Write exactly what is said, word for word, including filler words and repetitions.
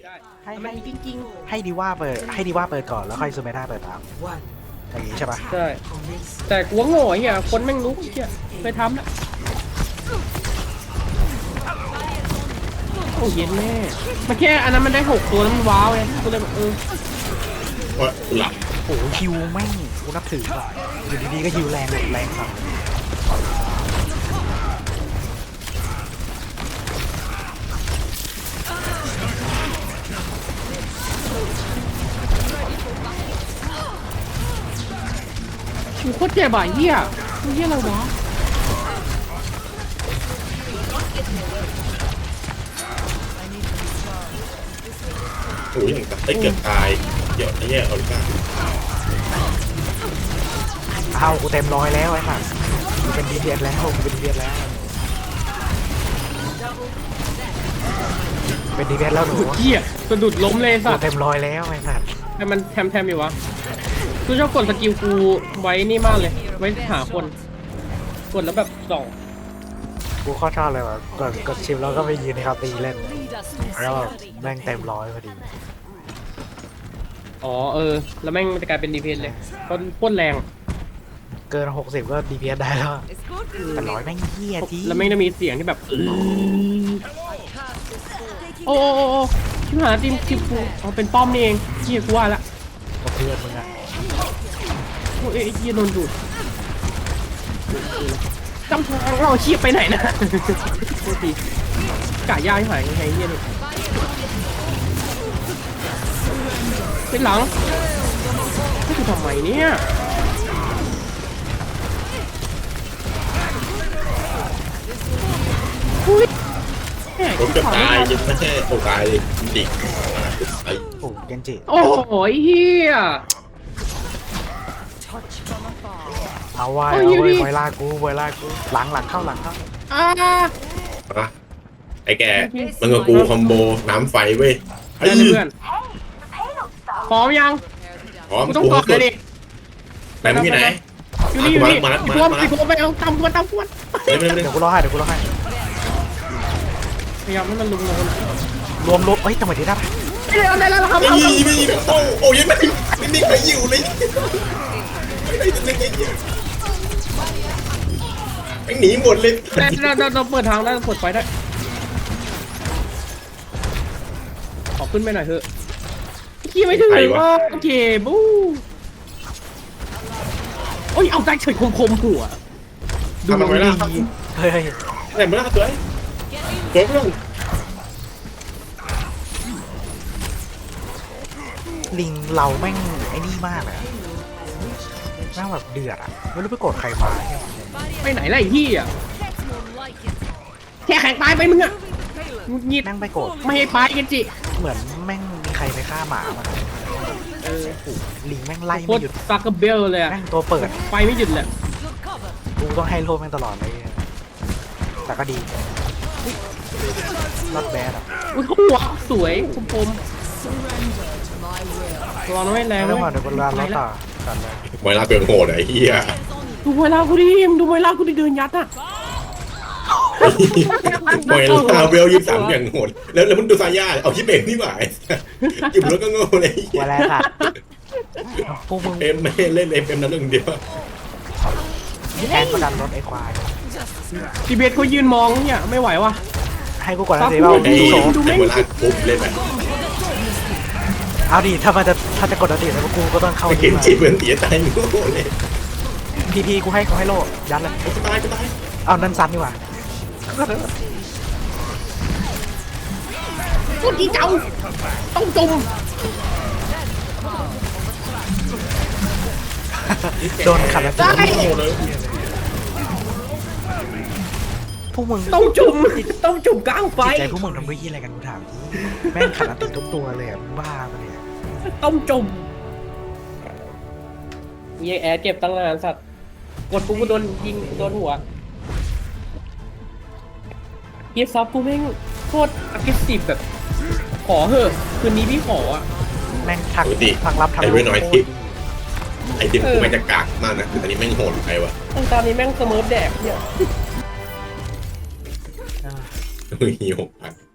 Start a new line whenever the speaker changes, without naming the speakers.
ให้ให้จริงๆให้ดีว่าเปิดให้ดีว่าเปิดก่อนแล้วค่อยซูเมธาเปิดตามอย่างนี้ใช่ปะ
ใช่แต่กูว่าโง่ไอ้เหี้ยคนแม่งรู้ไอ้เหี้ยเคยทำนะโอ้เย็นแม่มันแค่อันนั้นมันได้หกตัวแล้วมันว้าวไงกูเลยแบบเออ
ว่าหลับ
โอ้ฮิวแม่งกูนับถือว่ะอยู่ดีๆก็ฮิวแรงแรงครับ
กูโคตรเจ็บอ่ะเหี้ยกูเหี้ยอะไรวะ
โอ้ยอย่างกับไอ้เกือบตายเดี๋ยวไอ้เนี่ยออริก้า
เอากูเต็มร้อยแล้วไอ้สัสกูเป็นดีเดียดแล้วกูเป็นดีเดียดแล้วเป็นดีเดียดแล้วหนู
เหี้ยสะดุดล้มเลยสัส
เต็มร้อยแล้วไอ้สัส
แต่มันแทมแทมอยู่วะกูชอบกดสกิลกูไว้นี่มากเลยไว้หาคนกดแล้วแบบส่อง
กูข้อชอบเลยว่ะกดกดชิมแล้วก็ไปยืนในคาตีเล่นแล้วแม่งเต็มร้อยพอดี
อ๋อเออแล้วแม่งจะกลายเป็นดีเพนเลยก็พ่นแรง
เกินหกสิบก็ดีเพนได้แล้วแต่ร้อยแม่งเหี้ยที
แล้วแม่งจะมีเสียงที่แบบโอ้โอ้โอ้ชิบหายทีมทีมกูอ๋อเป็นป้อมนี่เองเหี้ยกูว่าละ
กับเพื่อนมึงอะ
โอ้ยไอ้เหี้ยโดนดูดจำทางเราเชี่ยไปไหนนะโทษทีกะย่าให้หายไงเหี้ยนี่เป็นหลังนี่คือทำไมเนี่ยอุ้ย
รถจะตายจะไม่ใช่โอกาสเลยดิไอ้
โอ้เกนจิ
โอ้โหเฮีย
เอาไว้เอาไว้ไวลากูไวลากูหลังหลังเข้าหลังเข้า
อ่า
ไอ้แกมันกับกูคอมโบน้ำไฟเว้ย
ไอ้เพื่อนพร้อมยัง
พร้อม
กูต้องกดเลยดิ
ไปมึงที่ไหน
อยู่นี่อยู่นี่มาพร้อมพร้อมไปเอาตำกวนตำกวน
เดี๋ยวกูรอให้เดี๋ยวกูรอให้
พยายามให้มันลุมลง
รวมรวมเอ้ยจังหวะที่ได้ปะ
เดี๋ยวได้แล้วครับ
ไม่ยิงไม่ยิงโอ้โอ้ยังไม่ไม่นิ่งไปอยู่เลยไม่หนีหมดเลย
เราเราเราเปิดทางได้เปิดไฟได้ขอขึ้นไปหน่อยเถอะขี้ไม่ถึงว่าโอเคบู๊โอ้ยเอาใจเฉยคมคมหัว
ดูมันไว้ล่ะ
เฮ้ย
ไหนมาล่ะตัวไอ้ตัวเพื่อน
ลิงเราแม่งไอ้นี่มากเลยแม่งแบบเดือดอ่ะไม่รู้ไปกดใครมา
ไปไหนล่ะไอ้พี่อ่ะแค่แข่งตายไปมึงอ่ะงีด
แม่งไปกด
ไม่ให้ไปกันจิ
เหมือนแม่งมีใครไปฆ่าหมามา
เออ
ลิงแม่งไล่ไม่หยุด
ซักกระเบลเลยอ่ะ
แม่งตัวเปิด
ไปไม่หยุดเลย
กูต้องให้โลแม่งตลอดเลยแต่ก็ดีรอดแบดอ่ะ
อุ้ยหัวสวยคมคมตัวน้อยแรง
แล้วมาเดี๋ยวกูรอแล้วต่อกันเลย
เวลาเปลี่ยนโหดไอ้เหี้ย
ดูเวลากูดิมดูเวลากูดิเดินยัดอ่ะ
เวลาเวลยี่สามอย่างโหดแล้วแล้วมึงดูซาย่าเอาที่เบรกนี่หว่าอยู่แล้วก็โง่เลย
เวลาค่ะพวกมึง
เอ็มไม่เล่นเอ็มเอ็มนั้นเรื่องเดียว
แอนก็ดันรถไอ้ควาย
ทีเบสเขายืนมองเนี่ยไม่ไหวว่ะ
ให้กูก่อนนะเดี๋ยวเรา
ดูเวลาปุ๊บเล่นแบบ
เอาดิถ้ามันจะถ้าจะกดอันติแล้วกูก็ต้องเข้า
เห็นจีบเหมือนเสียใจโง่เลย
พีพีกูให้กูให้โลยัดเลย
กูตายกูตาย
เอานั่นซ้ำดีกว่า
พูดอีเจ้าต้องจม
โดนขัดแล้วพวกมึง
ต้องจุ่มต้องจุ่มกลางไฟ
ใจพวกมึงทำด้วยยี่อะไรกันกูถามแม่งขัดอันติทุกตัวเลยอ่ะบ้าปะเนี่ย
ต้องจุ่มมีแอร์เก็บตั้งนานสัตว์กดปุ๊บกูโดนยิงโดนหัวเกียร์ซับกูแม่งโคตรอักเสบแบบขอเหอะคืนนี้พี่ขออ่ะ
แม่งทักทักรับทำ
ไอ้ไม่น้อยทิปไอ้ทิปกูแม่งจะกากมากนะแต่อันนี้แม่งโหดไปวะ
ตอนนี้แม่งเสมอแดกเนี่ย
เฮ้ยหกพัน